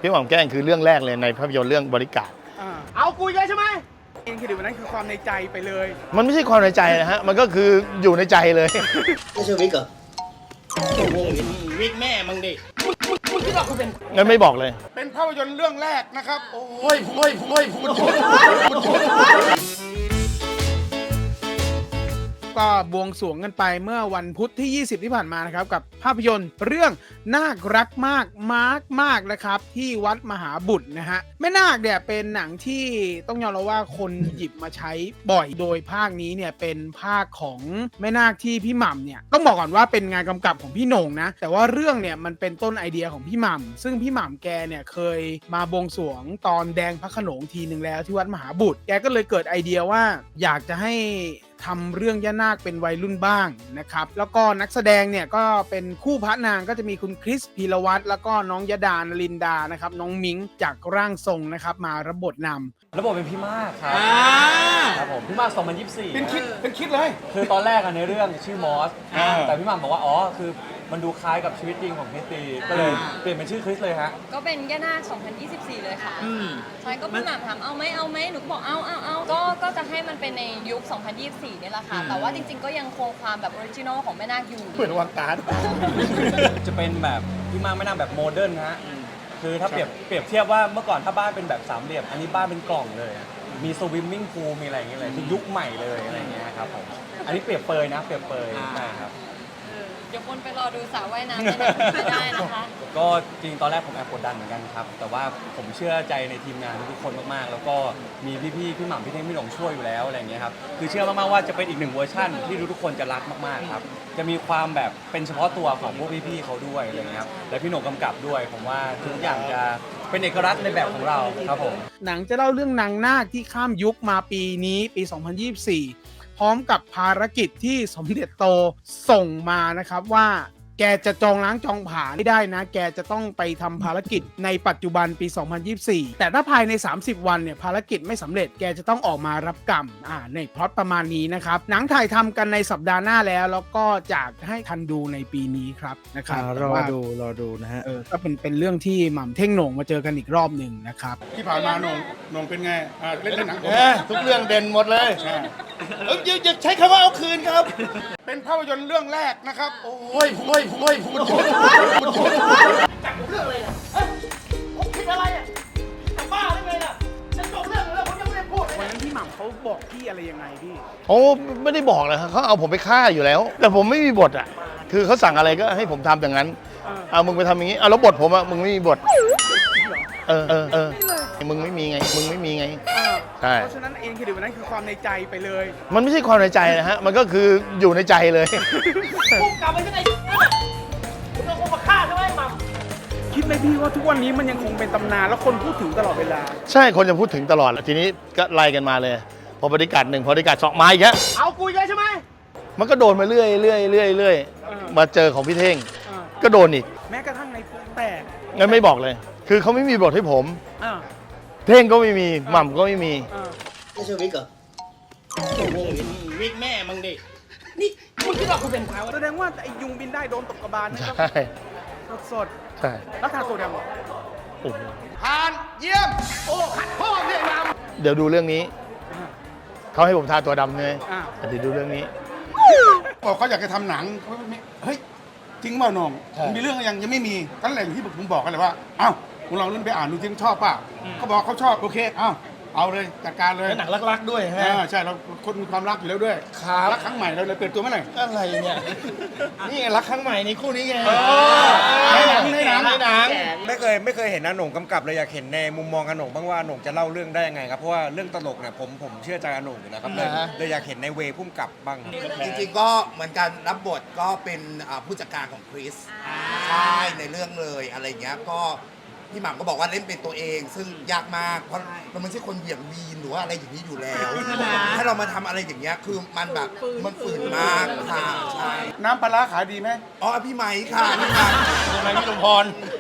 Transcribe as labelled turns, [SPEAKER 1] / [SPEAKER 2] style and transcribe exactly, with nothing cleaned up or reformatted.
[SPEAKER 1] พี่หม่ำแกล้งคือเรื่องแรกเลยในภาพยนตร์เรื่องบริการ
[SPEAKER 2] เอากูเลยใช่ไหมเองคือวันนั้นคือความในใจไปเลย
[SPEAKER 1] มันไม่ใช่ความในใจนะฮะมันก็คืออยู่ในใจเลย
[SPEAKER 3] ไม่ใช่วิกเหรอ
[SPEAKER 2] วิกแม่มึงดิมึงคิดว่ากูเป็น
[SPEAKER 1] งั้นไม่บอกเลย
[SPEAKER 2] เป็นภาพยนตร์เรื่องแรกนะครับโอ้ยโอ้ยโอ้ยพูดก็บวงสรวงกันไปเมื่อวันพุธที่ยี่สิบที่ผ่านมานะครับกับภาพยนตร์เรื่องนาครักมากมากมากนะครับที่วัดมหาบุตรนะฮะแม่นาคเนี่ยเป็นหนังที่ต้องยอมรับว่าคนหยิบมาใช้บ่อยโดยภาคนี้เนี่ยเป็นภาคของแม่นาคที่พี่หม่ำเนี่ยต้องบอกก่อนว่าเป็นงานกำกับของพี่โหน่งนะแต่ว่าเรื่องเนี่ยมันเป็นต้นไอเดียของพี่หม่ำซึ่งพี่หม่ำแกเนี่ยเคยมาบวงสรวงตอนแดงพระโขนงทีหนึ่งแล้วที่วัดมหาบุตรแกก็เลยเกิดไอเดียว่าอยากจะให้ทำเรื่องย่านาคเป็นวัยรุ่นบ้างนะครับแล้วก็นักแสดงเนี่ยก็เป็นคู่พระนางก็จะมีคุณคริสพีรวัตรแล้วก็น้องยดานลินดานะครับน้องมิ้งจากร่างทรงนะครับมารับบทนำ
[SPEAKER 4] ระบบเป็นพี่มากครับครับผมพี่มากสองพันยี่สิบสี่
[SPEAKER 2] เป็นคิดเป็นคิดเลย
[SPEAKER 4] คือตอนแรกในเรื่องชื่อมอสแต่พี่หม่ำบอกว่าอ๋อคือมันดูคล้ายกับชีวิตจริงของคริสตีก็เลยเปลี่ยนเป็นชื่อคริสเลยฮะ
[SPEAKER 5] ก็เป็นย่านาคสองพันยี่สิบสี่เลยค่ะใช่ก็พี่หม่ำถามเอาไหมเอาไหมหนูก็บอกเอาเอาเอาก็ก็จะให้มันเป็นในยุคสองพันยี่สิบสี่นี่แหละค่ะแต่ว่าจริงๆก็ยังคงความแบบออริจินอลของแม่นาคอยู่
[SPEAKER 1] เหมือนวางการ
[SPEAKER 4] จะเป็นแบบพี่มากแม่นาคแบบโมเดิร์นฮะคือถ้าเปรียบเปรียบเทียบว่าเมื่อก่อนถ้าบ้านเป็นแบบสามเหลี่ยมอันนี้บ้านเป็นกล่องเลยมีสวิมมิ่งพูลมีอะไรอย่างเงี้ยเลยคือยุคใหม่เลยอะไรอย่างเงี้ยครับผมอันนี้เปรียบเปยนะเปรียบเปยใช่ครับ
[SPEAKER 5] เดี๋ยวคนไปรอดูสาวว่ายน้ำไม่ได้นะคะ
[SPEAKER 4] ก็จริงตอนแรกผมแอบกดดันเหมือนกันครับแต่ว่าผมเชื่อใจในทีมงานทุกคนมากๆแล้วก็มีพี่ๆพี่หม่ำพี่เท่งพี่หลงช่วยอยู่แล้วอะไรอย่างเงี้ยครับคือเชื่อมากๆว่าจะเป็นอีกหนึ่งเวอร์ชั่นที่ทุกคนจะรักมากๆครับจะมีความแบบเป็นเฉพาะตัวของพวกพี่ๆเขาด้วยอะไรอย่างเงี้ยครับและพี่หนงกำกับด้วยผมว่าทุกอย่างจะเป็นเอกลักษณ์ในแบบของเราครับผม
[SPEAKER 2] หนังจะเล่าเรื่องนางนาคที่ข้ามยุคมาปีนี้ปีสองพันยี่สิบสี่พร้อมกับภารกิจที่สมเด็จโตส่งมานะครับว่าแกจะจองล้างจองผลาญไม่ได้นะแกจะต้องไปทำภารกิจในปัจจุบันปีสองพันยี่สิบสี่แต่ถ้าภายในสามสิบวันเนี่ยภารกิจไม่สำเร็จแกจะต้องออกมารับกรรมอ่าในพล็อตประมาณนี้นะครับหนังถ่ายทำกันในสัปดาห์หน้าแล้วแล้วก็จะให้ทันดูในปีนี้ครับนะครับ
[SPEAKER 1] รอดูรอดูนะฮะ
[SPEAKER 2] เออก็เป็นเป็นเรื่องที่หม่ำเท่งโหน่งมาเจอกันอีกรอบหนึ่งนะครับ
[SPEAKER 6] ที่ผ่านมาโหน่งโหน่งเป็นไงอ่าเล่นเล่นหนัง
[SPEAKER 1] ทุกเรื่องเด่นหมดเลยเอออย่าใช้คำว่าเอาคืนครับ
[SPEAKER 6] เป็นภาพยนตร์เรื่องแรกนะครับโ
[SPEAKER 1] อ้ยโอ้ยโอ้ยพูด
[SPEAKER 2] จับเรื่องอะไรอ่ะเฮ้ยผมคิดอะไรอ่ะจะบ้าได้ไงล่ะฉันจบเรื่องแล้วผมยังไม่ได้พูดเลยวันนั้นพี่หม่ำเขาบอกพี่อะไรยังไงพี่
[SPEAKER 1] โอ้ไม่ได้บอกเลยครับเขาเอาผมไปฆ่าอยู่แล้วแต่ผมไม่มีบทอ่ะคือเขาสั่งอะไรก็ให้ผมทำอย่างนั้นเอามึงไปทำอย่างนี้เอาแล้วบทผมอ่ะมึงไม่มีบทเออเออเออมึงไม่มีไงมึงไม่มีไงใช่
[SPEAKER 2] เพราะฉะนั้นเองคือวันนั้นคือความในใจไปเลย
[SPEAKER 1] มันไม่ใช่ความในใจนะฮะมันก็คืออยู่ในใจเลย
[SPEAKER 2] พุ่งกลับไปที่ไหนคุณเอาคนมาฆ่าใช่ไหมหม่ำคิดไหมพี่ว่าทุกวันนี้มันยังคงเป็นตำนานแล้วคนพูดถึงตลอดเวลา
[SPEAKER 1] ใช่คนจะพูดถึงตลอดทีนี้ก็ไล่กันมาเลยพอบริการหนึ่งพอบริการสองมาอีกแล้ว
[SPEAKER 2] เอากูเลยใช่ไหม
[SPEAKER 1] มันก็โดนมาเรื่อยเรื่อยเรื่อยเรื่อยมาเจอของพี่เท่งก็โดนอีก
[SPEAKER 2] แม้กระทั่งในปุ๊กแตก
[SPEAKER 1] งั้นไม่บอกเลยคือเขาไม่มีบทให้ผมเท่งก็ไม่มีหม่ำก็ไม่มี
[SPEAKER 3] ไม่ใช่วิกเหรอ
[SPEAKER 2] วิกแม่มึงดินี่มึงคิดว่ากูเป็นใครแสดงว่าไอ้ยุงบินได้โดนตกกระบาลนะ
[SPEAKER 1] ใช่
[SPEAKER 2] สด
[SPEAKER 1] ใช่
[SPEAKER 2] แล้วทาตัวดำ
[SPEAKER 1] โอ้โห
[SPEAKER 2] ผ่านเยี่ยมโอ้ขัดพ่อเรียกน
[SPEAKER 1] ำเดี๋ยวดูเรื่องนี้เขาให้ผมทาตัวดำเลยเดี๋ยวดูเรื่องนี้
[SPEAKER 6] บอกเขาอยากจะทำหนังเฮ้ยจริงเปล่าน้องมีเรื่องยังยังไม่มีตั้งแต่ที่ผมบอกกันเลยว่าอ้าวคุณลองเล่นไปอ่านดูจริงชอบป่ะเขาบอกเขาชอบโอเคอ้าวเอาเลยจัดการเลย
[SPEAKER 1] หนังรักๆด้วยใช่ไหม
[SPEAKER 6] ใช่เราคนมีความรักอยู่แล้วด้วยรักครั้งใหม่เราเลยเปลี่ยนตัวเมื่อไหร่
[SPEAKER 1] อะไรเนี่ยนี่รักครั้งใหม่นี่คู่นี้ไง
[SPEAKER 6] ในหนังในหนัง
[SPEAKER 1] ในหนัง
[SPEAKER 7] ไม่เคยไม่เคยเห็นอาโหน่งกำกับเลยอยากเห็นในมุมมองอาโหน่งบ้างว่าอาโหน่งจะเล่าเรื่องได้ยังไงครับเพราะว่าเรื่องตลกเนี่ยผมผมเชื่อใจอาโหน่งอยู่นะครับเลยเลยอยากเห็นในเวพุ่มกับบ้าง
[SPEAKER 3] จริงๆก็เหมือนกันรับบทก็เป็นผู้จัดการของคริสใช่ในเรื่องเลยอะไรเงี้ยก็พี่หม่ำก็บอกว่าเล่นเป็นตัวเองซึ่งยากมากเพราะเราไม่ใช่คนเหวี่ยงวีนหรือว่าอะไรอย่างนี้อยู่แล้วถ้าเรามาทำอะไรอย่างเงี้ยคือมันแบบมันฝืนมากค่ะใช่
[SPEAKER 6] น้ำปลาร้าขายดีไหม
[SPEAKER 3] อ๋อพี่ไหมค่ะพี่ไหม
[SPEAKER 1] พี่ไหมพี่ลุงพร